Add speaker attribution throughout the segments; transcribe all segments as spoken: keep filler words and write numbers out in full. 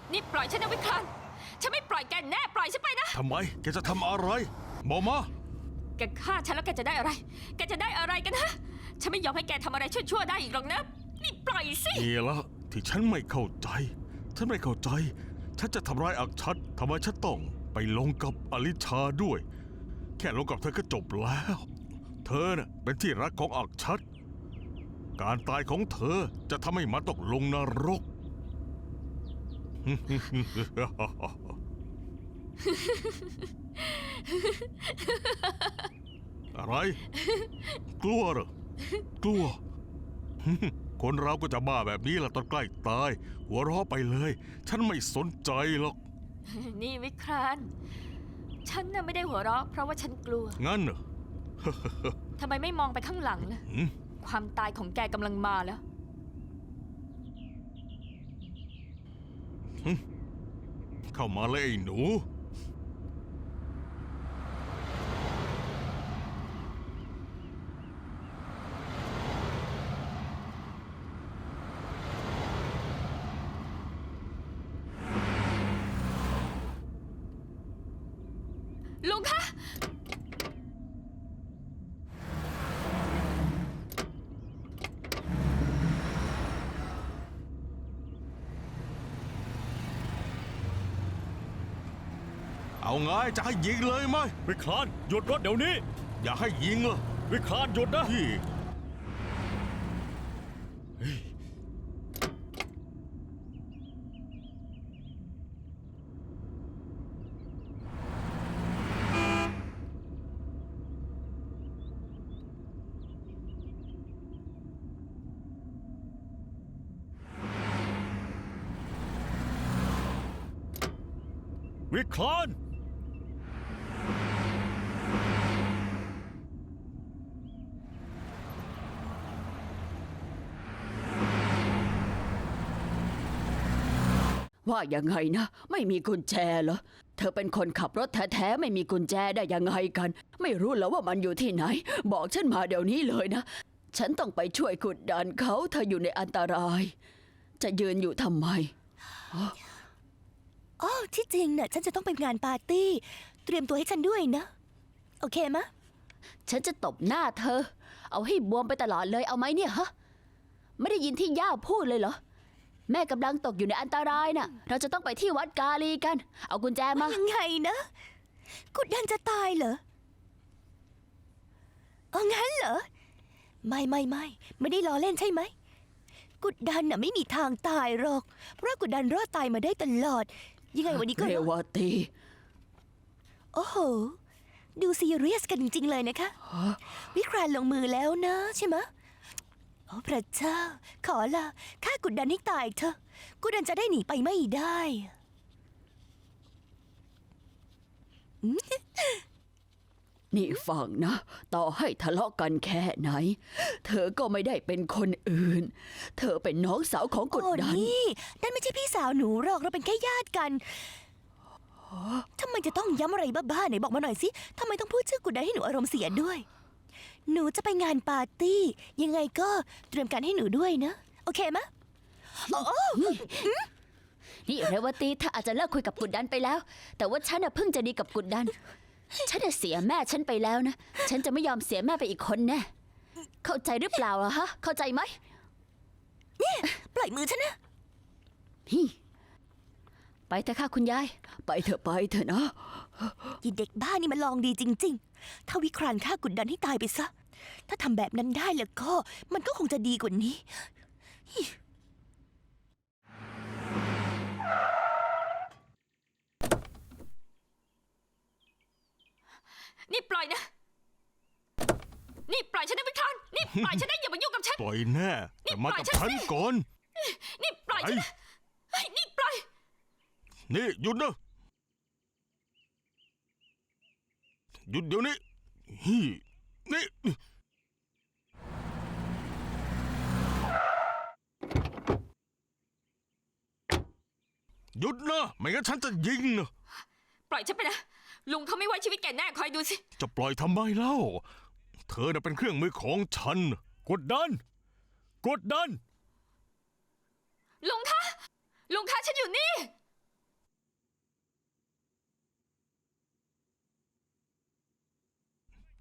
Speaker 1: นี่ปล่อยฉันนะวิคลานฉันไม่ปล่อยแกแน่ปล่อยฉันไปนะ
Speaker 2: ทำไมแกจะทำอะไรบอกมา
Speaker 1: แกฆ่าฉันแล้วแกจะได้อะไรแกจะได้อะไรกันฮะฉันไม่ยอมให้แกทำอะไรชั่วๆได้อีกหรอกนะนี่ปล่อยสิ
Speaker 2: นี่ละที่ฉันไม่เข้าใจฉันไม่เข้าใจฉันจะทำร้ายอักชัดทำไมฉันต้องไปลงกับอลิชาด้วยแค่ลงกับเธอก็จบแล้วเธอน่ะเป็นที่รักของอักชัดการตายของเธอจะทำให้มันตกลงนรก อะไรกลัวเหรอกลัว คนเราก็จะบ้าแบบนี้แหละตอนใกล้ตายหัวเราะไปเลยฉันไม่สนใจหรอก
Speaker 1: นี่วิคลานฉันน่ะไม่ได้หัวเราะเพราะว่าฉันกลัว
Speaker 2: งั้นเหรอ
Speaker 1: ทำไมไม่มองไปข้างหลังล่ะความตายของแกกำลังมาแล้ว
Speaker 2: เข้ามาเลยไอ้หนู
Speaker 1: ลุงคะ
Speaker 2: เอาไงจะให้ยิงเลยไหม
Speaker 3: วิคลานหยุดรถเดี๋ยวนี้
Speaker 2: อย่าให้ยิงเหรอ
Speaker 3: วิคลานหยุดนะ
Speaker 2: พี่
Speaker 3: วิคลาน
Speaker 4: ว่ายังไงนะไม่มีกุญแจเหรอเธอเป็นคนขับรถแท้ๆไม่มีกุญแจได้ยังไงกันไม่รู้แล้วว่ามันอยู่ที่ไหนบอกฉันมาเดี๋ยวนี้เลยนะฉันต้องไปช่วยกดดันเขาเธออยู่ในอันตรายจะยืนอยู่ทำไม
Speaker 5: อ๋อที่จริงน่ะฉันจะต้องไปงานปาร์ตี้เตรียมตัวให้ฉันด้วยนะโอเคมะ
Speaker 4: ฉันจะตบหน้าเธอเอาให้บวมไปตลอดเลยเอาไหมเนี่ยฮะไม่ได้ยินที่ย่าพูดเลยเหรอแม่กำลังตกอยู่ในอันตรายน่ะเราจะต้องไปที่วัดกาลีกันเอากุญแจมา
Speaker 5: ยังไงนะกุดดันจะตายเหรอเอางั้นเหรอไม่ไม่ไม่ไม่ได้ล้อเล่นใช่ไหมกุดดันน่ะไม่มีทางตายหรอกเพราะกุดดันรอดตายมาได้ตลอดยังไงวันนี้ก็
Speaker 4: เรวตี
Speaker 5: โอ้โหดูซีเรียสกันจริงๆเลยนะคะวิครานลงมือแล้วนะใช่ไหมโอ้พระเจ้าขอละข้ากุดดันให้ตายเถอะกุดดันจะได้หนีไปไม่ได้
Speaker 4: นี่ฟังนะต่อให้ทะเลาะกันแค่ไหนเธอก็ไม่ได้เป็นคนอื่นเธอเป็นน้องสาวของกุดดัน
Speaker 5: โอ้นี่นั่นไม่ใช่พี่สาวหนูหรอกเราเป็นแค่ญาติกันทำไมจะต้องย้ำอะไรบ้าๆไหนบอกมาหน่อยสิทำไมต้องพูดชื่อกุดดันให้หนูอารมณ์เสียด้วยหนูจะไปงานปาร์ตี้ยังไงก็เตรียมการให้หนูด้วยนะโอเคมะโอ้
Speaker 4: นี่เรวตีเธออาจจะเลิกคุยกับกุดดันไปแล้วแต่ว่าฉันน่ะเพิ่งจะดีกับกุดดันฉันจะเสียแม่ฉันไปแล้วนะฉันจะไม่ยอมเสียแม่ไปอีกคนแน่เข้าใจหรือเปล่าอะฮะเข้าใจไหม
Speaker 5: นี่ปล่อยมือฉันนะ
Speaker 4: ไปเถอะค่ะคุณยายไปเถอะไปเถอะนะ
Speaker 5: ยีเด็กบ้านี่มันลองดีจริงๆถ้าวิครานฆ่ากุดดันให้ตายไปซะถ้าทำแบบนั้นได้แล้วก็มันก็คงจะดีกว่านี้
Speaker 1: นี่ปล่อยนะนี่ปล่อยฉันนะวิคลานนี่ปล่อยฉันนะอย่ามายุ่งกับฉัน
Speaker 2: ปล่อยแน่แต่มากับฉันก่อน
Speaker 1: นี่ปล่อยฉันนะนี่ปล่อย
Speaker 2: นี่หยุดนะหยุดเดี๋ยวนี้ฮีนี่หยุดนะไม่งั้นฉันจะยิงนะ
Speaker 1: ปล่อยฉันไปนะลุงเขาไม่ไว้ชีวิตแกแน่คอยดูสิ
Speaker 2: จะปล่อยทำไมเล่าเธอน่ะเป็นเครื่องมือของฉัน
Speaker 3: กดดันกดดัน
Speaker 1: ลุงคะลุงคะฉันอยู่นี่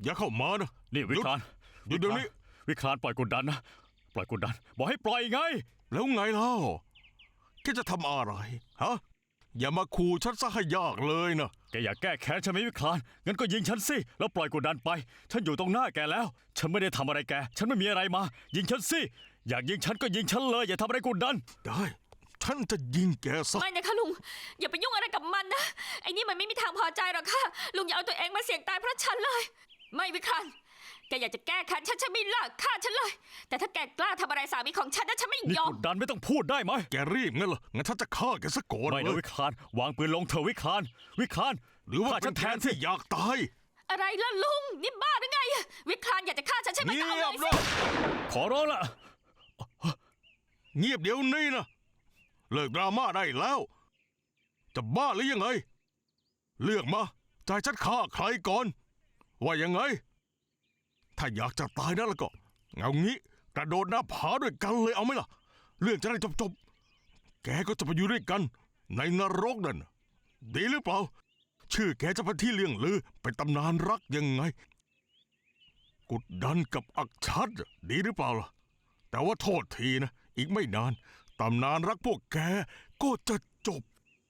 Speaker 2: อย่าเข้ามานะ
Speaker 3: นี่วิคลาน
Speaker 2: หยุดเดี๋ยวนี้
Speaker 3: วิคลานปล่อยกดดันนะปล่อยกดดัน บอกให้ปล่อยไง
Speaker 2: แล้วไงเล่าแกจะทำอะไรฮะอย่ามาขู่ฉันซะให้ยากเลยนะ
Speaker 3: แกอยากแก้แค้นใช่ไหมวิคลานงั้นก็ยิงฉันสิแล้วปล่อยกดดันไป ฉันอยู่ตรงหน้าแกแล้ว ฉันไม่ได้ทำอะไรแก ฉันไม่มีอะไรมา ยิงฉันสิอยากยิงฉันก็ยิงฉันเลย อย่าทำอะไรกดดัน
Speaker 2: ได้ฉันจะยิงแกซะ
Speaker 1: ไม่นะคะลุง อย่าไปยุ่งอะไรกับมันนะ ไอ้นี่มันไม่มีทางพอใจหรอกค่ะ ลุงอย่าเอาตัวเองมาเสี่ยงตายเพราะฉันเลย ไม่วิครันแกอยากจะแก้แค้นฉันฉันไม่เลิกฆ่าฉันเลย แต่ถ้าแกกล้าทำอะไรสามีของฉันนะฉันไม่
Speaker 3: นี่
Speaker 1: ยอก ม
Speaker 3: ดดันไม่ต้องพูดได้ไหม
Speaker 2: แกรีบงั้นเหรองั้นฉันจะฆ่าแกซะก่อน
Speaker 3: ไม่
Speaker 2: เล
Speaker 3: นะ
Speaker 2: ย
Speaker 3: วิคลานวางปืนลงเถอะวิคลานวิคลาน
Speaker 2: หรือว่า
Speaker 3: ฆ่า
Speaker 2: เป็
Speaker 3: ฉั
Speaker 2: น
Speaker 3: น
Speaker 2: แท
Speaker 3: แท
Speaker 2: น
Speaker 3: นสิ
Speaker 2: ที่อยากตาย
Speaker 1: อะไรล่ะลุง นี่บ้าหรือไง วิครันอยากจะฆ่าฉันใช่ไหม
Speaker 2: เงี
Speaker 1: ก็เอา
Speaker 2: ย
Speaker 1: เล
Speaker 2: บ
Speaker 1: ย
Speaker 2: เล
Speaker 1: สิ
Speaker 2: ย
Speaker 3: ขอร้องละ
Speaker 2: เงียบเดี๋ยวนี้นะเลิกดราม่าได้แล้ว จะบ้าหรือยังไง เลือกมาใจะให้ฉันฆ่าใครก่อน ว่ายังไง ถ้าอยากจะตายนะแล้วก็เอางี้กระโดดหน้าผาด้วยกันเลยเอาไหมล่ะ เรื่องจะได้จบๆแกก็จะไปอยู่ด้วยกัน ในนรกนั่นน่ะดีหรือเปล่า ชื่อแกจะเป็นที่เลี่ยงลือเป็นตำนานรักยังไง กุดดันกับอักชัดน่ะดีหรือเปล่าล่ะ แต่ว่าโทษทีนะ อีกไม่นานตำนานรักพวกแกก็จะจบ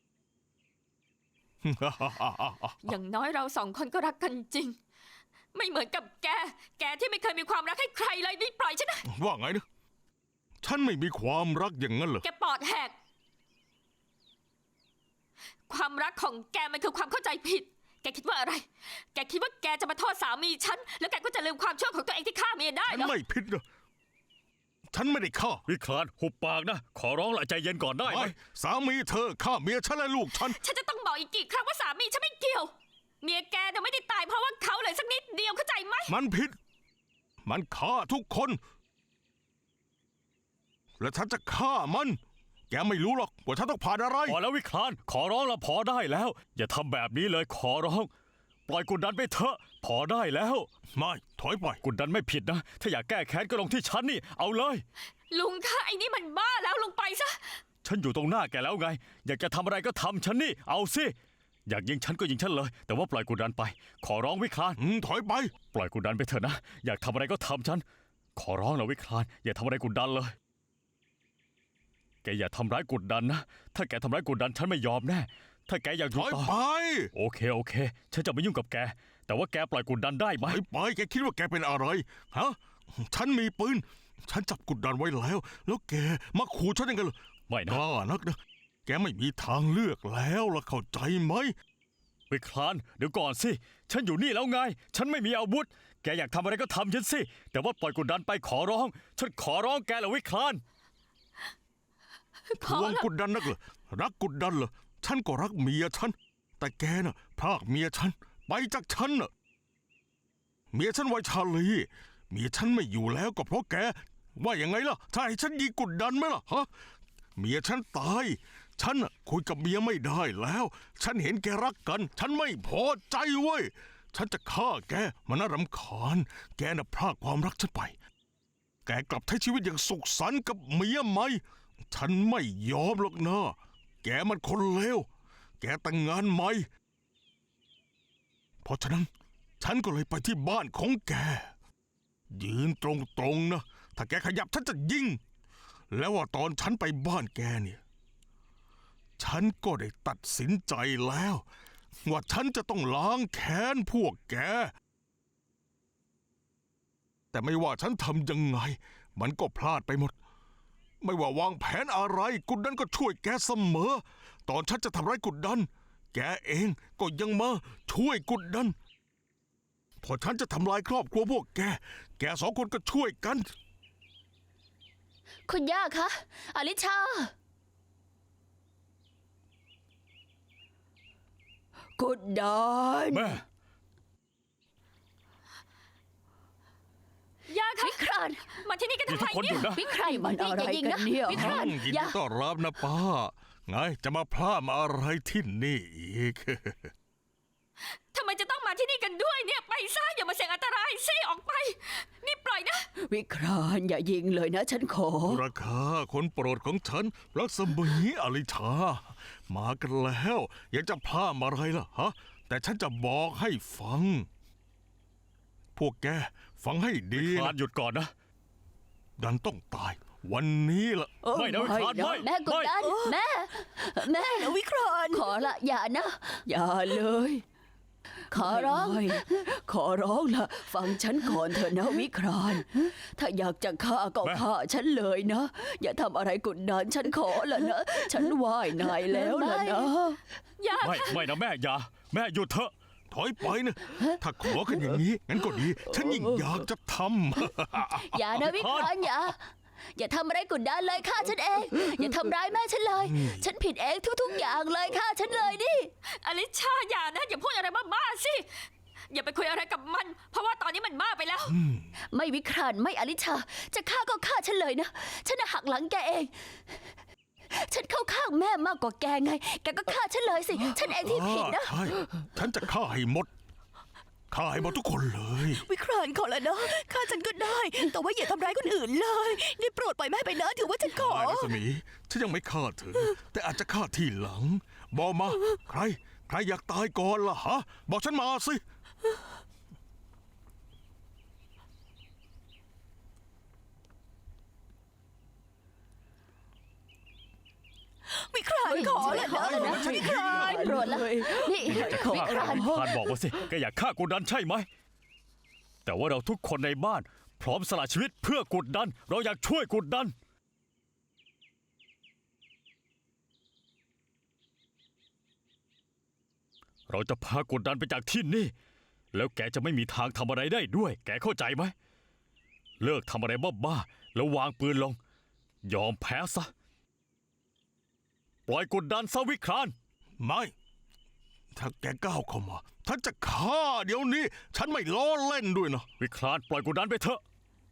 Speaker 1: อย่างน้อยเราสองคนก็รักกันจริง ไม่เหมือนกับแก แกที่ไม่เคยมีความรักให้ใครเลยนี่ปล่อยฉันนะ
Speaker 2: ว่าไงนะ ฉันไม่มีความรักอย่างนั้นเหรอ
Speaker 1: แกปอดแหก ความรักของแกมันคือความเข้าใจผิด แกคิดว่าอะไร แกคิดว่าแกจะมาโทษสามีฉัน แล้วแกก็จะลืมความชั่วของตัวเองที่ฆ่าเมียได้
Speaker 2: ฉัน
Speaker 1: เหรอ
Speaker 2: ไม่ผิดนะ ฉันไม่ได้ฆ่า
Speaker 3: วิคลานหุบปากนะ ขอร้องละใจเย็นก่อนได้ไหม
Speaker 2: ไม่สามีเธอฆ่าเมียฉันและลูกฉัน
Speaker 1: ฉันจะต้องบอกอีกกี่ครั้งว่าสามีฉันไม่เกี่ยว เมียแกน่ะไม่ได้ตายเพราะว่าเขาเลยสักนิดเดียวเข้าใจไหม
Speaker 2: มันผิด มันฆ่าทุกคน และฉันจะฆ่ามัน แกไม่รู้หรอกว่าฉันต้องผ่านอะไร
Speaker 3: พอแล้ววิคลานขอร้องละพอได้แล้ว อย่าทำแบบนี้เลยขอร้อง ปล่อยกดดันไปเถอะพอได้แล้ว
Speaker 2: ไม่ถอยไป
Speaker 3: กดดันไม่ผิดนะ ถ้าอยากแก้แค้นก็ลงที่ฉันนี่เอาเลย
Speaker 1: ลุงคะไอ้นี่มันบ้าแล้วลุงไปซะ
Speaker 3: ฉันอยู่ตรงหน้าแกแล้วไง อยากจะทำอะไรก็ทำฉันนี่เอาสิอยากยิงฉันก็ยิงฉันเลย แต่ว่าปล่อยกดดันไป ขอร้องวิคลาน
Speaker 2: อืมถอยไป
Speaker 3: ปล่อยกดดันไปเถอะนะ อยากทำอะไรก็ทำฉัน ขอร้องนะวิคลาน อย่าทำอะไรกดดันเลย แกอย่าทำร้ายกดดันนะ ถ้าแกทำร้ายกดดันฉันไม่ยอมแน่ ถ้าแกอยากอ
Speaker 2: ถ
Speaker 3: ยู่
Speaker 2: อย
Speaker 3: ต่อ
Speaker 2: ไป
Speaker 3: โอเคโอเค ฉันจะไม่ยุ่งกับแก แต่ว่าแกปล่อยกดดันได้ไหม
Speaker 2: ถอยไป แกคิดว่าแกเป็นอะไร ฮะ ฉันมีปืน ฉันจับกุดดันไว้แล้ว แล้วแกมาขู่ฉันยังไงล่ะ
Speaker 3: ไม่
Speaker 2: ก
Speaker 3: นะ
Speaker 2: ล้านักนะ แกไม่มีทางเลือกแล้วล่ะเข้าใจไหม
Speaker 3: วิคลาน เดี๋ยวก่อนสิ ฉันอยู่นี่แล้วไง ฉันไม่มีอาวุธ แกอยากทำอะไรก็ทำฉันสิ แต่ว่าปล่อยกดดันไปขอร้อง ฉันขอร้องแกแหละวิคลาน
Speaker 1: พ
Speaker 2: ท
Speaker 1: อ
Speaker 2: วง
Speaker 1: แล้ว
Speaker 2: กุดดันนักเหรอรักกุดดันเหรอฉันก็รักเมียฉัน แต่แกน่ะพรากเมียฉัน ไปจากฉันน่ะ เมียฉันวัยชาลีเมียฉันไม่อยู่แล้วก็เพราะแก ว่ายังไงล่ะ ถ้าให้ฉันยิงกุดดันไหมล่ะฮะ เมียฉันตาย ฉันน่ะคุยกับเมียไม่ได้แล้ว ฉันเห็นแกรักกัน ฉันไม่พอใจเว้ย ฉันจะฆ่าแก มันน่ารำคาญ แกน่ะพรากความรักฉันไป แกกลับใช้ชีวิตอย่างสุขสันต์กับเมียไหม ฉันไม่ยอมหรอกนะ แกมันคนเลว แกแต่งงานใหม่ เพราะฉะนั้น ฉันก็เลยไปที่บ้านของแก ยืนตรงๆนะ ถ้าแกขยับฉันจะยิง แล้วว่าตอนฉันไปบ้านแกเนี่ย ฉันก็ได้ตัดสินใจแล้ว ว่าฉันจะต้องล้างแค้นพวกแก แต่ไม่ว่าฉันทำยังไง มันก็พลาดไปหมด ไม่ว่าวางแผนอะไรกุดดันก็ช่วยแกเสมอ ตอนฉันจะทำร้ายกุดดัน แกเองก็ยังมาช่วยกุดดัน พอฉันจะทำลายครอบครัวพวกแก แกสองคนก็ช่วยกัน
Speaker 4: คุณย่าคะอลิชา กุดดัน
Speaker 3: แม่
Speaker 1: ย่าคะ
Speaker 4: วิคราน
Speaker 1: มาที่นี่กัน
Speaker 3: นี่
Speaker 1: ทำ
Speaker 3: ทุ
Speaker 1: ไม
Speaker 3: กคนห
Speaker 1: เนี่
Speaker 3: ยุ
Speaker 1: ย
Speaker 3: ดนะ
Speaker 4: วิครานมันอะไรกันเนี่ยวิคราน
Speaker 2: ยิน
Speaker 4: อ
Speaker 2: ดี
Speaker 4: ย่า
Speaker 2: ต้อนรับนะป้า ไงจะมาพลาดมาอะไรที่นี่อีก
Speaker 1: ทำไมจะต้องมาที่นี่กันด้วยเนี่ย ไปซะอย่ามาเสี่ยงอันตรายซิออกไป นี่ปล่อยนะ
Speaker 4: วิครานอย่ายิงเลยนะฉันขอ
Speaker 2: ราคาคนโปรดของฉันรักสมีอลิชา มากันแล้วอยากจะพลาดอะไรล่ะฮะ แต่ฉันจะบอกให้ฟังพวกแกฟังให้ดี
Speaker 3: คลาน
Speaker 2: นะ
Speaker 3: หยุดก่อนนะ
Speaker 2: ดันต้องตาย วันนี้ล่ะ
Speaker 4: โอ้
Speaker 3: ไม่นะวิคลานไม่
Speaker 4: แม่กดดันแม่ แม่
Speaker 5: นะวิคราน
Speaker 4: ขอละอย่านะ อย่าเลย ขอร้อง ขอร้องละฟังฉันก่อนเถอะนะวิคราน ถ้าอยากจะฆ่าก็
Speaker 3: แม่
Speaker 4: ฆ่าฉันเลยนะ อย่าทำอะไรกดดันฉันขอละนะ ฉันไหว้นายแล้วละนะ
Speaker 1: อย่า
Speaker 3: ไม่ไม่นะแม่อย่าแม่หยุดเถอะ
Speaker 2: ถอยไปนะ ถ้าขอกันอย่างนี้ งั้นก็ดี ฉันยิ่งอยากจะทำ
Speaker 4: อย่านะวิครานอย่า อย่าทำอะไรกดดันเลยฆ่าฉันเอง อย่าทำร้ายแม่ฉันเลย ฉันผิดเองทุกๆอย่างเลยฆ่าฉันเลยดิ
Speaker 1: อลิชาอย่านะอย่าพูดอะไรบ้าๆสิอย่าไปคุยอะไรกับมัน เพราะว่าตอนนี้มันบ้าไปแล้ว
Speaker 4: ไม่วิครานไม่อลิชา จะฆ่าก็ฆ่าฉันเลยนะ ฉันน่ะหักหลังแกเอง ฉันเข้าข้างแม่มากกว่าแกไง แกก็ฆ่าฉันเลยสิ ฉันเองที่ผิดนะ
Speaker 2: ใช่ ฉันจะฆ่าให้หมด ฆ่าให้หมดทุกคนเลย
Speaker 5: วิครานขอแล้วนะฆ่าฉันก็ได้ แต่ว่าอย่าทำร้ายคนอื่นเลยได้โปรดปล่อยแม่ไปนะถือว่าฉันขอ
Speaker 2: ได้รัศมี ฉันยังไม่ฆ่าเธอ แต่อาจจะฆ่าทีหลัง บอกมา ใคร ใครอยากตายก่อนล่ะฮะ บอกฉันมาสิ
Speaker 5: วิครานขอแล้วนะ
Speaker 4: ขอแล้วนะ
Speaker 5: วิคราน
Speaker 4: โปรดละนี่
Speaker 3: จะ
Speaker 4: วิ
Speaker 3: ฆ่า
Speaker 4: คราน
Speaker 3: คลานบอกมาสิแกอยากฆ่ากุดดันใช่ไหม แต่ว่าเราทุกคนในบ้าน พร้อมสละชีวิตเพื่อกุดดัน เราอยากช่วยกุดดัน เราจะพากุดดันไปจากที่นี่ แล้วแกจะไม่มีทางทำอะไรได้ด้วย แกเข้าใจไหม เลิกทำอะไรบ้าๆแล้ววางปืนลง ยอมแพ้ซะ ปล่อยกุดดันซะวิคราน
Speaker 2: ไม่ ถ้าแกก้าวเข้ามาฉันจะฆ่าเดี๋ยวนี้ ฉันไม่ล้อเล่นด้วยนะ
Speaker 3: วิครานปล่อยกุดดันไปเถอะ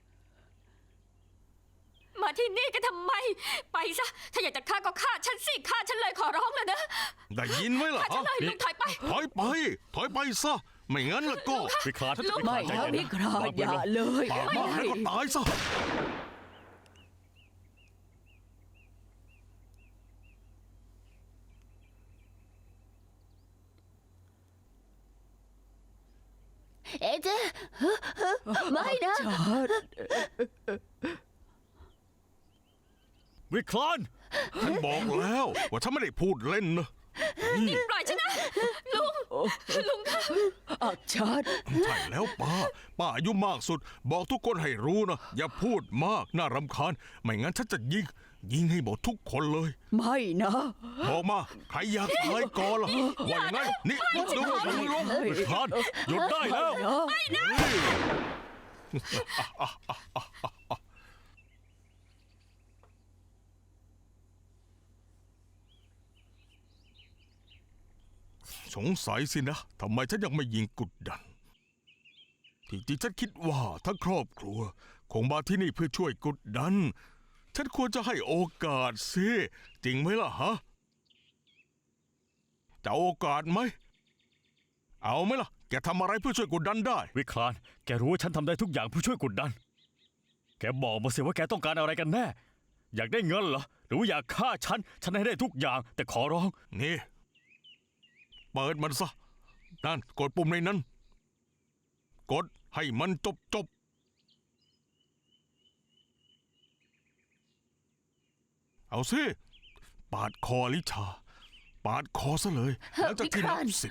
Speaker 1: มาที่นี่กันทำไม ไปซะ ถ้าอยากจะฆ่าก็ฆ่าฉันสิฆ่าฉันเลยขอร้องแล้วนะ
Speaker 2: ได้ยินไหมล่ะ
Speaker 1: ฆ่าฉัน
Speaker 2: ฮะ
Speaker 1: เลยลุงถอยไป
Speaker 2: ถอยไป ถอยไปซะ ไม่งั้นล่ะก็
Speaker 3: วิคราน
Speaker 1: ลุก
Speaker 3: วิค
Speaker 4: ไม่
Speaker 3: รานใจ
Speaker 4: นะ
Speaker 3: เย็น
Speaker 4: วิคราน
Speaker 3: วางปื
Speaker 4: อน ย่า
Speaker 3: ลง
Speaker 4: เลย
Speaker 2: ปากมากแล้วก็ตายซะ
Speaker 4: เอเจไม่นะ
Speaker 3: วิคราน
Speaker 2: ฉันบอกแล้วว่าฉันไม่ได้พูดเล่นนะ
Speaker 1: นี่ปล่อยฉันนะ ลุง ลุงค่ะ
Speaker 4: อักชัด
Speaker 2: ใช่แล้วป้า ป้าอายุมากสุด บอกทุกคนให้รู้นะ อย่าพูดมาก น่ารำคาญ ไม่งั้นฉันจะยิง ยิงให้หมดทุกคนเลย
Speaker 4: ไม่นะ
Speaker 2: บอกมา ใครอยากตายก่อนล่ะว่ายังไงนี่ดูมือลง
Speaker 3: วิครานหยุดได้แล้ว
Speaker 2: สงสัยสินะทำไมฉันยังไม่ยิงกุดดัน ที่จริงฉันคิดว่าทั้งครอบครัว คงมาที่นี่เพื่อช่วยกุดดัน ฉันควรจะให้โอกาสสิจริงไหมล่ะฮะจะเอาโอกาสไหม เอาไหมล่ะ แกทำอะไรเพื่อช่วยกุดดันได้
Speaker 3: วิคราน แกรู้ว่าฉันทำได้ทุกอย่างเพื่อช่วยกุดดัน แกบอกมาสิว่าแกต้องการอะไรกันแน่ อยากได้เงินเหรอ หรือว่าอยากฆ่าฉัน ฉันให้ได้ทุกอย่าง แต่ขอร้อง
Speaker 2: นี่ เปิดมันซะ นั่นกดปุ่มในนั้น กดให้มันจบจบ เอาสิ ปาดคอลิชา ปาดคอซะเลยหลังจากที่นับสิบ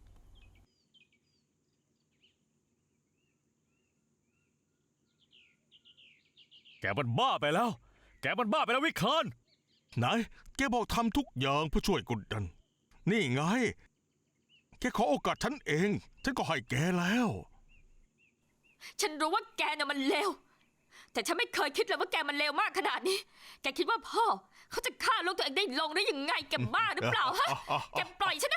Speaker 3: แกมันบ้าไปแล้ว แกมันบ้าไปแล้ววิคราน
Speaker 2: ไหน แกบอกทำทุกอย่างเพื่อช่วยกุดดัน นี่ไง แกขอโอกาสฉันเอง ฉันก็ให้แกแล้ว
Speaker 1: ฉันรู้ว่าแกน่ะมันเลว แต่ฉันไม่เคยคิดเลยว่าแกมันเลวมากขนาดนี้ แกคิดว่าพ่อเขาจะฆ่าลูกตัวเองได้ลงได้ยังไง แกบ้าหรือเปล่าฮะ แกปล่อยฉันนะ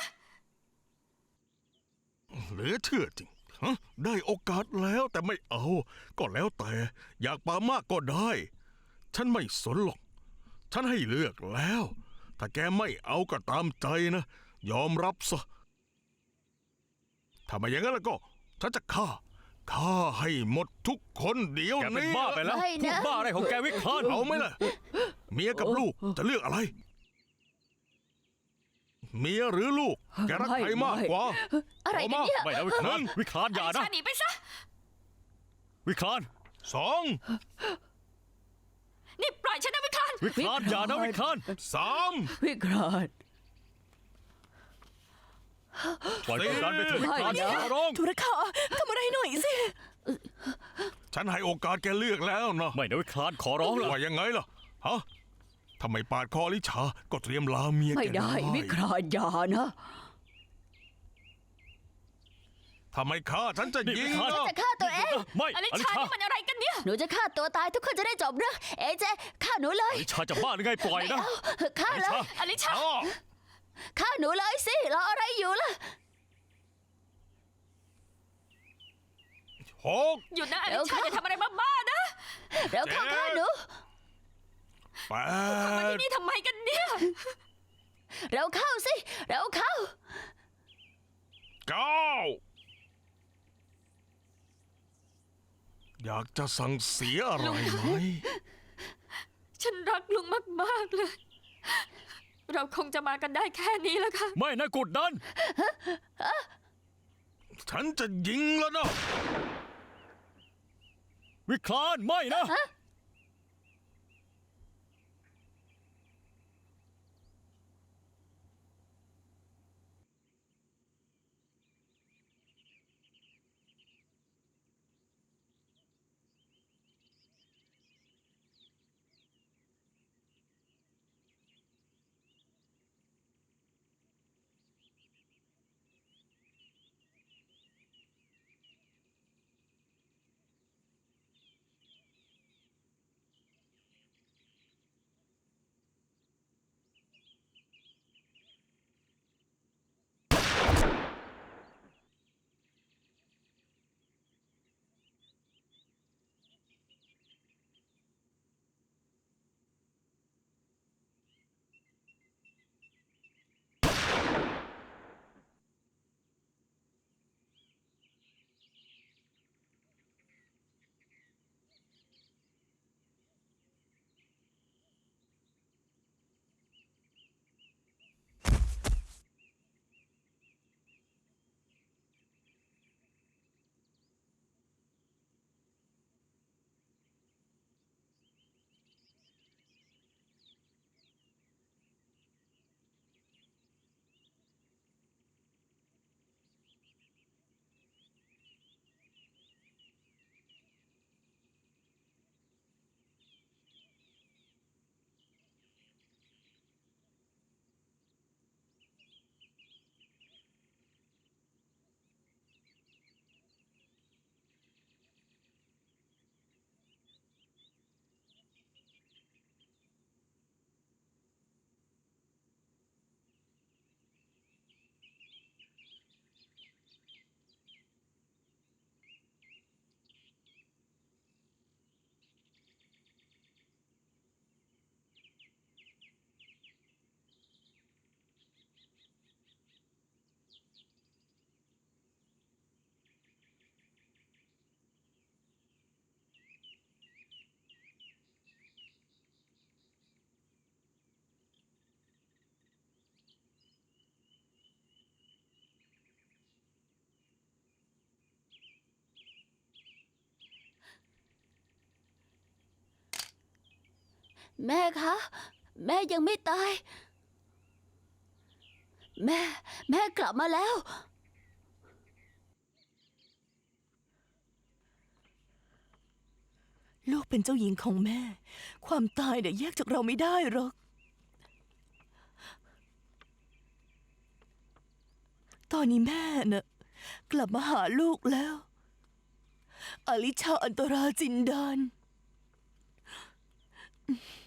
Speaker 2: เหลือเชื่อจริงฮะได้โอกาสแล้วแต่ไม่เอา ก็แล้วแต่ อยากปามากก็ได้ ฉันไม่สนหรอก ฉันให้เลือกแล้ว ถ้าแกไม่เอาก็ตามใจนะ ยอมรับซะ ถ้าไม่อย่างนั้นแล้วก็ ฉันจะฆ่า ฆ่าให้หมดทุกคนเดี๋ยว
Speaker 3: แกเป็น
Speaker 2: นี้
Speaker 3: บ้าไปแล้ว
Speaker 4: ไม่นะ
Speaker 3: พูดบ้าอะไรของแกวิคราน
Speaker 2: เอาไหมล่ะ เมียกับลูกจะเลือกอะไร เมียหรือลูก แกรักใครมากกว่า
Speaker 4: อะไรกันเนี่ย
Speaker 3: ไม่นะวิคราน วิครานอย่า
Speaker 1: อลิ
Speaker 3: นะ
Speaker 1: ชาหนีไปซะ
Speaker 3: วิคลาน
Speaker 2: สอง
Speaker 1: นี่ปล่อยฉันนะวิคลาน
Speaker 3: วิคลานอย่านะวิคลาน
Speaker 2: สาม
Speaker 4: วิกราน
Speaker 3: ปล่อยกดดันไปเถอะวิคลาน
Speaker 4: ไม่นะ
Speaker 3: ขอร้อง
Speaker 5: ธุรคาทำอะไรหน่อยสิ
Speaker 2: ฉันให้โอกาสแกเลือกแล้วนะ
Speaker 3: ไม่นะวิคลานขอร้องละ
Speaker 2: ว่ายังไงล่ะ ฮะทำไมปาดคออลิชา ก็เตรียมลาเมีย
Speaker 4: ไม่
Speaker 2: แก
Speaker 4: ได้วิกรานอย่านะ
Speaker 2: ทำไมฆ่าฉันจะยิง
Speaker 3: วิคลาน
Speaker 2: นะ
Speaker 4: จะฆ่าตัวเอง
Speaker 3: ไม่
Speaker 1: อลิ
Speaker 3: อลิ
Speaker 1: ชา
Speaker 3: ชา
Speaker 1: นี่มันอะไรกันเนี่ย
Speaker 4: หนูจะฆ่าตัวตายทุกคนจะได้จบเรื่องเอเจฆ่าหนูเลย
Speaker 3: อลิชาจะบ้าหรือไงปล่อยนะ
Speaker 4: ฆ่า
Speaker 3: อลิ
Speaker 4: เลย
Speaker 3: ชา
Speaker 1: อลิชา
Speaker 2: อ้อ
Speaker 4: ฆ่าหนูเลยสิรออะไรอยู่ล่ะ
Speaker 2: หก
Speaker 1: หยุดนะอ
Speaker 4: เดี๋
Speaker 1: ลิ
Speaker 4: ยว
Speaker 1: ชา
Speaker 4: ค่ะ
Speaker 1: อย่าทำอะไรบ้าๆนะ
Speaker 4: เร็วเข้า
Speaker 2: เจ๊
Speaker 4: ฆ่าหนู
Speaker 2: แป
Speaker 1: มา
Speaker 2: ด
Speaker 1: ที่นี่ทำไมกันเนี่ย
Speaker 4: เร็วเข้าสิเร็วเข้า
Speaker 2: เก้าอยากจะสั่งเสียอะไรไหม
Speaker 1: ฉันรักลุงมากๆเลย เราคงจะมากันได้แค่นี้แล้วค่ะ
Speaker 3: ไม่นะกดดัน
Speaker 2: ฉันจะยิงแล้วนะ
Speaker 3: วิคลานไม่นะ
Speaker 4: แม่คะ แม่ยังไม่ตาย แม่ แม่กลับมาแล้ว
Speaker 5: ลูกเป็นเจ้าหญิงของแม่ ความตายเนี่ยแยกจากเราไม่ได้หรอก ตอนนี้แม่น่ะกลับมาหาลูกแล้ว อลิชาอันตราจินดาน